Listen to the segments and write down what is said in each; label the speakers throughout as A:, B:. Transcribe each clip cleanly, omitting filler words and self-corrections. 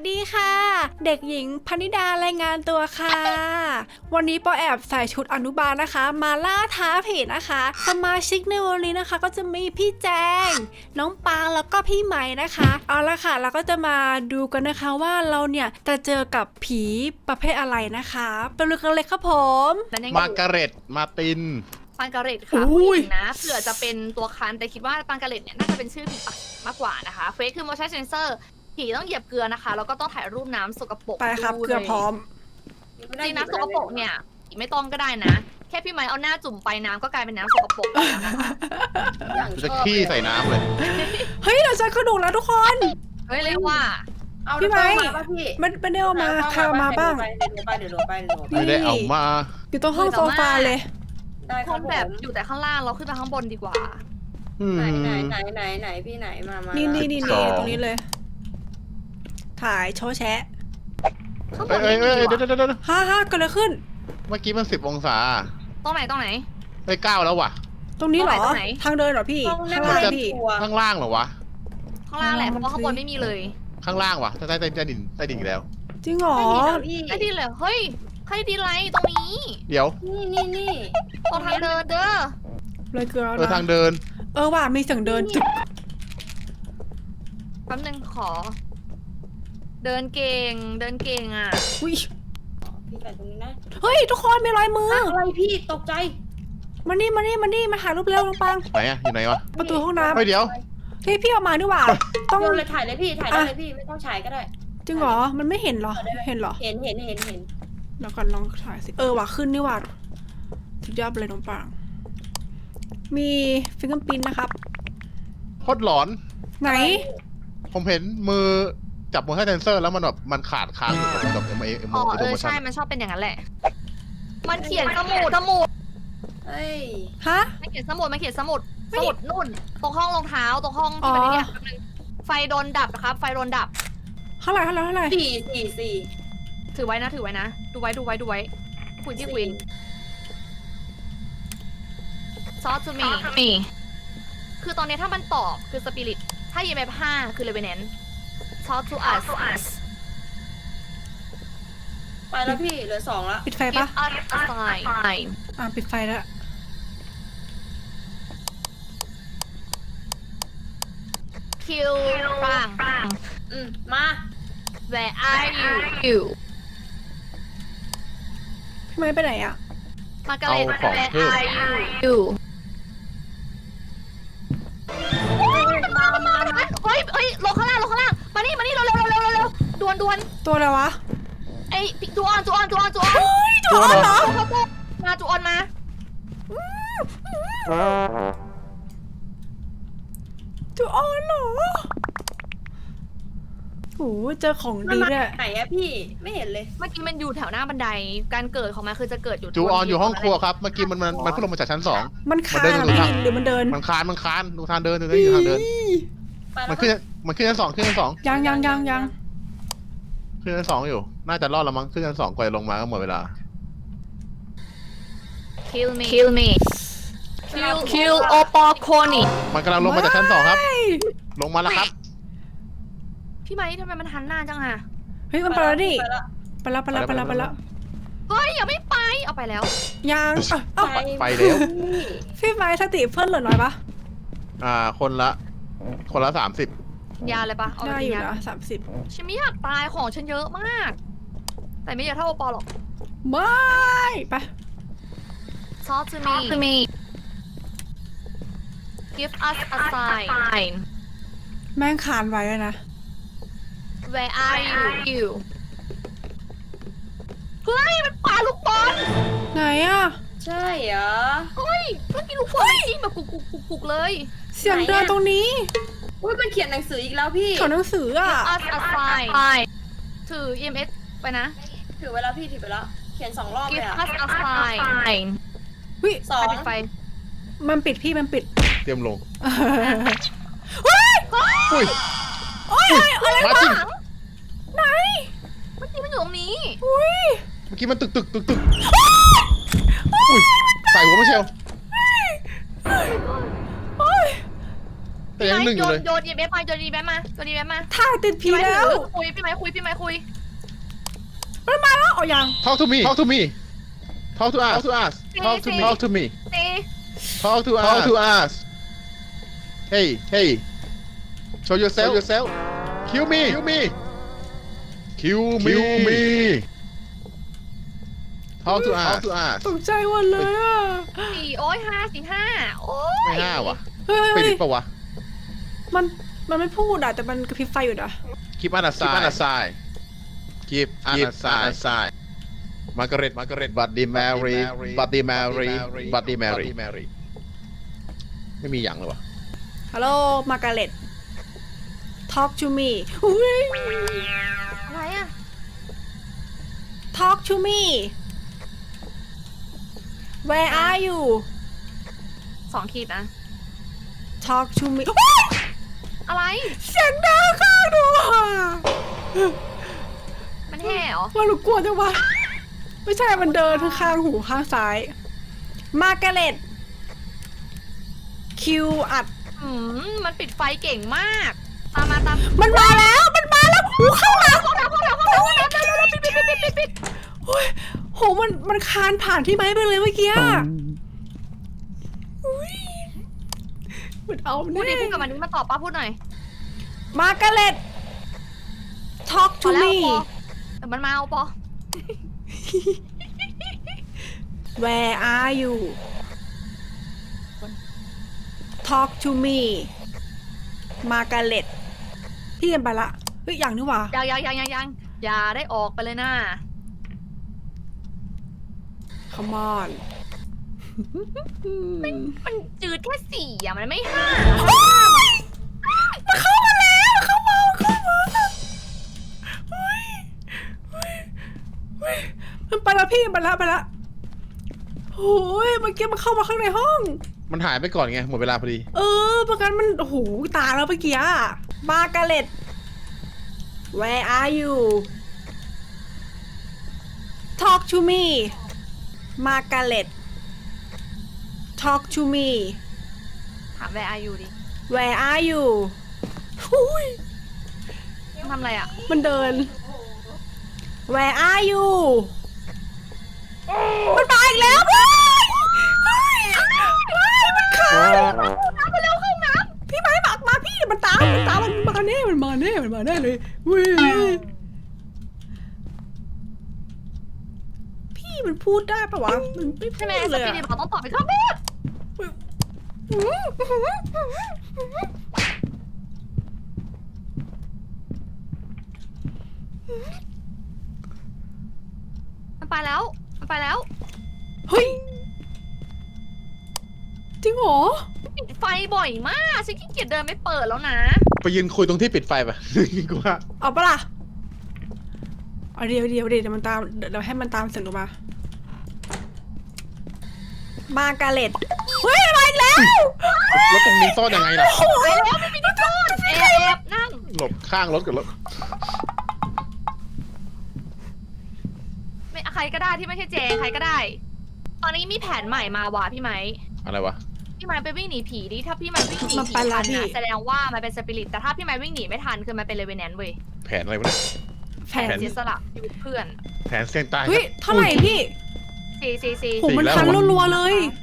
A: ดีค่ะเด็กหญิงพนิดารายงานตัวค่ะวันนี้ปอแอบใส่ชุดอนุบาลนะคะ มาล่าท้าผีนะคะสมาชิกในวันนี้นะคะก็จะมีพี่แจงน้องปางแล้วก็พี่ไหมนะคะเอาละค่ะเราก็จะมาดูกันนะคะว่าเราเนี่ยจะเจอกับผีประเภทอะไรนะคะไปดูกันเลยครับผม
B: มาร์การเร็ตมาติน
C: ปังกาเร็ตค่ะผู้หญิงนะเผื่อจะเป็นตัวคันแต่คิดว่าปังกาเร็ตเนี่ยน่าจะเป็นชื่อผีปักมากกว่านะคะเฟซคือ motion sensor ผีต้องเหยียบเกลือนะคะแล้วก็ต้องถ่ายรูปน้ำสกปรก
A: ไปครับเกลือพร้อม
C: จริงน้ำสกปรกเนี่ยไม่ต้องก็ได้นะ แค่พี่ไม้เอาหน้าจุ่มไปน้ำก็กลายเป็นน้ำสกปรกแล้วนะคะ
B: จะขี้ใส่น้ำเลย
A: เฮ้ยเราเจอกระดูกแล้วทุกคน
C: เฮ้ยเรียกว่า
D: เอา
A: พี่ไม้
D: มาป่ะพี่
A: มันได้เอามาใครเอามาบ้าง
D: เดี๋ยวลงไป
B: ไม่ได้เอามา
A: อยู่ตรงห้องโซฟาเลย
D: ได้ค
C: ครับ น
D: ผ
C: แบบ
D: ม
C: อยู่แต่ข้างล่างเราขึ้นไปข้างบนดีกว่า
D: ไหนพี่ไหนมา
A: นี่
D: นี่
A: ตรงนี้เลย ถ่ายโชว์แชะ
C: ข้างบ
B: เอ้
C: น
B: ย
C: นี่
B: เอ้ย
C: ดี
B: เดี๋ยว
C: กว่า
B: เดี๋ยว
A: ฮ่าเกิดอะไรขึ้น
B: เมื่อกี้มัน10 องศา
C: ตรงไหน
B: ไป9แล้วว่ะ
A: ตรงนี้เหรอ
C: ตรงไหน
A: ทางเดินเหรอพี่
D: ห้องนั่
A: ข้าง งล่าง
D: เล่น
A: พี่
D: ครัว
B: ข้างล่างเหรอวะ
C: ข้างล่างแหละเพราะว่าข้างบนไม่มีเลย
B: ข้างล่างวะใต้ดินอีกแล้ว
A: จริงเหรอ
D: พี่
C: ไอ้ดีเลยเฮ้ยใครดีไรตรงนี้
B: เดี๋ยว
D: นี่
C: ตรงทางเดินเด้อ
A: เลยเกลือแล้ว
B: ทาง
A: นะ
B: เดิน
A: ว่ะมีเสียงเดินจึก
C: แป๊บนึงขอ เดินเก่งอ่ะ
A: อุ้ย
D: พี่ไปตรงนี้นะ
A: เฮ้ยทุกคนมีรอยมือ
D: อะไรพี่ตกใจ
A: มานี่มาหารูปเร็วน้องปัง
B: ไหนอะอยู่ไหนวะ
A: ประตูห้องน้
B: เฮ้ยเดี๋ยว
A: ำพี่เอามาดีกว่า ต้อง
D: โยนเลยถ่ายเลยพี่ถ่ายได้เลยพี่ไม่ต้องฉายก็ได้
A: จริงเหรอ มันไม่เห็นเหรอ เห็นเหรอ
D: เห็น
A: แล้วก่อนลองถ่ายสิ ว่ะขึ้นนี่ว่ะสุดยอดไปเลยน้องปัง มีฟิงเกอร์พิ้นนะครับ
B: โคตรหลอน
A: ไหน
B: ผมเห็นมือจับมือให้เซนเซอร์แล้วมันแบบมันขาดค้างอยู่กับเอ็ม
C: อ๋อ
B: โมชั่
C: ใช่
B: น
C: มันชอบเป็นอย่างนั้นแหละ มันเขียนสมุด
D: เฮ้ย
A: ฮะ
C: มันเขียนสมุดนู่น ตรงห้องรองเท้า ตรงห้องที่มันเนี่ยแป๊บนึงไฟโดนดับนะครับ ไฟโดนดับ
A: เท่าไหร่
D: 4
C: ถือไว้นะ ดูไว้คุยที่คุยซอสจูมีคือตอนนี้ถ้ามันตอบคือสปิริต ถ้ายีเมฟ5คือเลเวนแนนซอสทูอัส
D: ไปแล้วพี่เหลือ2แล้ว
A: ปิดไฟ
C: give
A: ปะ
C: us a sign
A: ปิดไฟแล้ว
C: kill ปัง
D: มา
C: where are you
A: พี่ไม้ไปไหนอะ
C: มาร์กาเร็ต
B: เอาของ
C: where
B: เพิ่ม
C: are you
D: มา
C: เฮ้ยลงข้างล่างมานี่เร็วด่วน
A: ตัวอะไรวะ
C: ไอ้จูออน
A: เฮ้ยตัวอะไรเหรอ
C: มาจูออนมา
A: ตัวอ่อนเหรอโอ้เจอของดีเนี่ย
D: ไหนอะพี่ไม่เห็นเลย
C: เมื่อกี้มันอยู่แถวหน้าบันไดการเกิดของมันคือจะเกิดอยู่
B: จูออนอยู่ห้องครัวครับเมื่อกี้มันเพิ่งลงมาจากชั้น 2
A: มันคาน
B: มันเดิน
A: หรือมันเดิน
B: มันคานดูทางเดินอยู่ทางเดิน
D: ไปแล้
B: มั
D: วน
B: ขึ้นชั้น 2ขึ้นชั้น 2
A: ยัง
B: ขึ้นชั้น 2อยู่น่าจะรอดแล้วมั้งขึ้นชั้น 2กว่าจะลงมาก็หมดเวลา
C: คิลมีคิลโอปอโคนิ
B: มันกำลังลงมาจากชั้น 2ครับลงมาแล้วครับ
C: พี่ไม้ทำไมมันหันหน้าจังอะ
A: เฮ้ยมันไปแล้วดิ
D: ไปแล้ว
A: ไปแล้ว
C: เฮ้ยอย่าไม่ไปเอาไปแล้ว
A: ยังเอ้า
B: ไปแล้ว
A: พี่ไม้สติเพิ่นเหลือน้อยปะ
B: คนละ30
C: ยาเลยปะเอาไป
A: ได้
C: กิ
A: อน ยู่
C: ยา
A: นะ30
C: ฉันไม่อยากตายของฉันเยอะมาก แต่ไม่เยอะเท่าโอปอหรอก
A: ไม่ไป
C: ซอสทูมี give us a sign
A: แม่งคานไว้เลยนะ
C: where are you เฮ้ยมันปาลูกบอล
A: ไหนอะ
D: ใช่เหรอ
C: เฮ้ยเมื่อกี้ลูกบอลจริงแบบกุกเลย
A: เสียงเดินตรงนี้
D: อุ้ยมันเขียนหนังสืออีกแล้วพี่
A: แถวหนังสืออะ
C: us a sign ถือ EMS ไปนะ
D: ถือไว้แล้วพี่ถือไปแล้วเขียน2 รอบเลย
C: give
D: อะ
C: us a sign
A: วิ
C: ไปปิดไฟ
A: มันปิดพี่มันปิด
B: เตรียมลง
A: เฮ้ย
B: อุ้ย
A: โอ้ยอะไร
B: มาว
A: ะ
B: จริง
A: ไหน
C: เมื่อกี้มันอยู่ตรงนี้
A: อุ้ย
B: เมื่อกี้มันตึกอุ้ยใส่หัวไม่เชล
A: โอ้ย
B: แต่แต่ยังหนึ่งอยู่เลย
C: โยนอีเบฟมาโยนอีเบฟมาโยนอีเบฟมา
A: ถ่ายติดผี
C: พี่ไม้
A: แล้ว
C: ถือคุยพี่ไม้คุยพี่ไม้คุย
A: มันมาแล้วเอายัง
B: Talk to me Talk to me Talk to us Talk to me Talk to me
C: ตี
B: Talk to us Hey hey Show yourself Kill me Talk to us
A: ตกใจหมดเลยอ่ะ
C: สี่โอ้ย5 4 5โอ้ย
B: ไม่ห้าวะ
A: เฮ้ย
B: ปิดปะวะ
A: มันไม่พูดอ่ะแต่มันกระพริบไฟอยู่นะ
B: Keep on aside Keep on aside Margaret Buddy Mary ไม่มีอย่างเลยวะ
A: ฮัลโหลมาการ์เล็ต talk to me อุ้ย
C: อะไรอะ
A: talk to me where are you
C: 2 ขีดนะ
A: talk to me
C: อะไร
A: เสียงดังข้างดูอ่ะ
C: มันแห่เหรอ
A: ว่าหนูกลัวจังวะไม่ใช่มันเดินข้างหูข้างซ้าย มาการ์เล็ต คิวอัด
C: มันปิดไฟเก่งมาก ตาม
A: มันมาแล้วหูเข้ามา
C: พวกเราปิด
A: โอ้ยโหมันคานผ่านที่ไม้ไปเลยเมื่อกี้อะอุ๊ยมันเอา
C: พูดดิ
A: แน่
C: พูดกับมันนี้มาตอบป้าพูดหน่อย
A: มาการ์เล็ต talk
C: พ
A: to
C: อแล้ว
A: me
C: ปอเดี๋ยวมันมาเอาปอ
A: where are you talk to me มาการ์เล็ตพี่ยังไปละเฮ้ยอย่างนี่หว่า
C: ยังอย่าได้ออกไปเลยนะ
A: come on
C: มันจืดแค่4อะมันไม่5
A: มันเข้ามาแล้วเข้ามาเฮ้ยมันไปแล้วพี่มันไปละโอ้ยเมื่อกี้มันเข้ามาข้างในห้อง
B: มันหายไปก่อนไงหมดเวลาพอดี
A: ประกันมันโอ้โหตายแล้วเมื่อกี้อะมาการ์เล็ต where are you talk to me มาการ์เล็ต talk to me
C: ถาม where are you ดิ
A: where are you อุ้ย
C: มันทำอะไรอะ
A: มันเดิน where are you มันมาอีกแล้วเฮ้ยมันขาด
C: น้ำไปเร็วเข้าน้
A: พี่ไม้หมักมาพี่มันตามมันมาแน่เลยเว้ยพี่มันพูดได้ปะวะมันไม่
C: ำ
A: พู
C: ใช่ไหม
A: ด
C: ส
A: เลย
C: ปี
A: อะ
C: ดบอกต้องตอบไปข้างบนมันไปแล้ว
A: เฮ้ยจริงเหรอ
C: ปิดไฟบ่อยมากฉันขี้เกียจเดินไม่เปิดแล้วนะ
B: ไปยืนคุยตรงที่ปิดไฟปะ กูว่า
A: เอาปะล่ะเอาเดี๋ยวมันตามเดี๋ยวให้มันตามเสียงหนูมาการ์เล็ตเฮ้ยมาอีกแล้ว
B: แล้วตรงนี้ซ่อนยังไงล่ะ
C: ไปแล้วไม่มีที่ซ่อนแอบนั่ง
B: หลบข้างรถกับรถ
C: ไม่ใครก็ได้ที่ไม่ใช่เจใครก็ได้ ตอนนี้มีแผนใหม่มาว่ะพี่ไม้
B: อะไรวะ
C: พี่ไม้ไปวิ่งหนีผีดิถ้าพี่ไม้วิ่งหนี
A: มัน
C: ผี
A: ไปละ
C: ทัน
A: พี่
C: นะแสดงว่ามันเป็นสปิริตแต่ถ้าพี่ไม้วิ่งหนีไม่ทันคือมันเป็นเลเวนแนนเว้ย
B: แผนอะไรวะเนี่ย
A: แผน
C: เสียสละชีวิตเพื่อน
B: แผนเสี่ยงตาย
A: เฮ้ยเท่าไหร่พี่
C: ซี
A: โหมันคันรัวๆเลย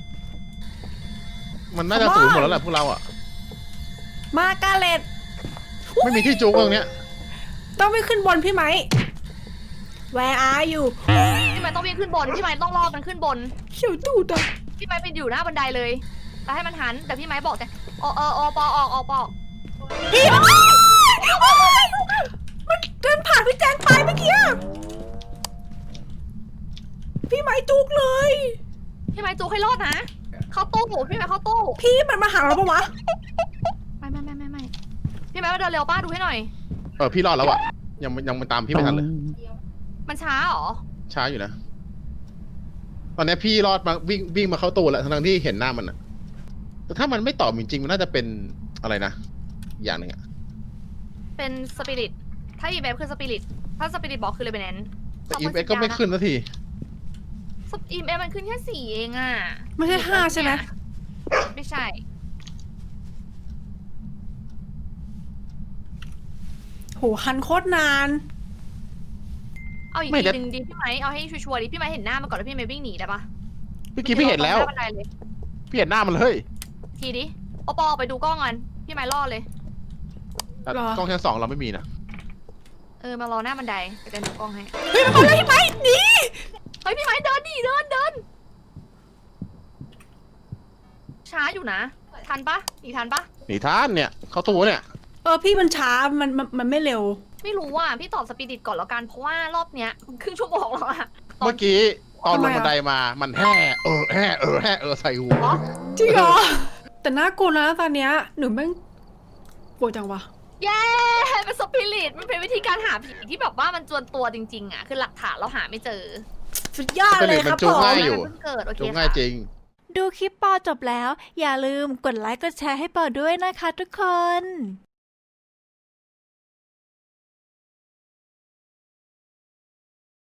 B: มันน่าจะสูญหมดแล้วแหละพวกเราอ่ะ
A: มาการ์เล็ต
B: ไม่มีที่จุกตรงเนี้ย
A: ต้องไปขึ้นบนพี่ไหม Where are you
C: พี่ไม้ต้องวิ่งขึ้นบนพี่ไม้ต้องรอมันขึ้นบน
A: เขียวตูดอ่ะ
C: พี่ไม้ไปอยู่หน้าบันไดเลยแล้วให้มันหันแต่พี่ไม้บอกแต่ปอออก
A: พี่มันเดินผ่านพี่แจงไปเมื่อกี้อะพี่ไหมจุกเลย
C: พี่ไม้จูให้รอดนะเข้าตู้พี่ไม้เข้าตู้
A: พี่มันมาหาเราปะวะ
C: ไม่พี่ไม้มาเดินเร็วป้าดูให้หน่อย
B: พี่รอดแล้วอ่ะยังมันตามพี่ไม่ทันเลย
C: มันช้าเหรอ
B: ช้าอยู่นะ ตอนนี้พี่รอดมาวิ่งมาเข้าตู้แล้วทั้งที่เห็นหน้ามันอ่ะแต่ถ้ามันไม่ตอบจริงๆมันน่าจะเป็นอะไรนะอย่างหนึ่งอ่ะ
C: เป็นสปิริตถ้าอีเบฟคือสปิริตถ้าสปิริตบอกคือเลเบนแนน
B: แต่อีเอสก็ไม่ขึ้นสักที
C: อีเบฟมันขึ้นแค่4เองอ่ะ
A: ไม่ใช่5ใช่ไหม
C: ไม่ใช่
A: โหคันโคตรนาน
C: เอาอีก
B: ไม่
C: ที
B: ได้
C: หนึ่งดีพี่ไม้เอาให้ชัวร์ๆดิพี่ไม้เห็นหน้ามันก่อนแล้วพี่ไม้วิ่งหนีได้ปะ
B: เมื่อกี้พี่เห็นแล้ว
C: มื่อกี้ราตรงหน้าบันไดเลย
B: พี่เห็นหน้ามันเลย
C: ทีดิโอปอออกไปดูกล้องกันพี่ไม้รอเลย
B: แต่
A: หรอ
B: กล้องชั้น 2เราไม่มีนะ
C: มารอหน้าบันไดไปเดินดูกล้องให้
A: เฮ้ยมันมาเลยพี่ไม้หนี
C: เฮ้ยพี่ไม้เดินดิเดินช้าอยู่นะทันปะหนีทันปะ
B: หนีท่านเนี่ย เข้าตู้เนี่ย
A: พี่มันช้ามันไม่เร็ว
C: ไม่รู้อ่ะพี่ตอบสปิริตก่อนแล้วกันเพราะว่ารอบเนี้ยครึ่งชั่วโมงแล้วอะ
B: เมื่อกี้ตอน
A: ทำ
B: ล
A: ไม
B: ง
A: อะ
B: บันไดมา มันแห่ใส่หัว
A: จริงเหรอ แต่น่ากลัวนะตอนเนี้ยหนูแม่งกลัวจังวะ
C: เย้เป็นสปิริตมันเป็นวิธีการหาผีที่แบบว่ามันจวนตัวจริงๆอ่ะคือหลักฐานเราหาไม่เจอ
A: สุดยอดเลยครับ
B: จู
A: ผ
B: ง
A: ม
B: ง่ายอยู่
C: เพิ่งเกิดโอเค
B: จูง
C: ค่ะ
B: ง่ายจริง
A: ดูคลิปปอจบแล้ว อย่าลืมกดไลค์กดแชร์ให้ปอด้วยนะคะทุกคน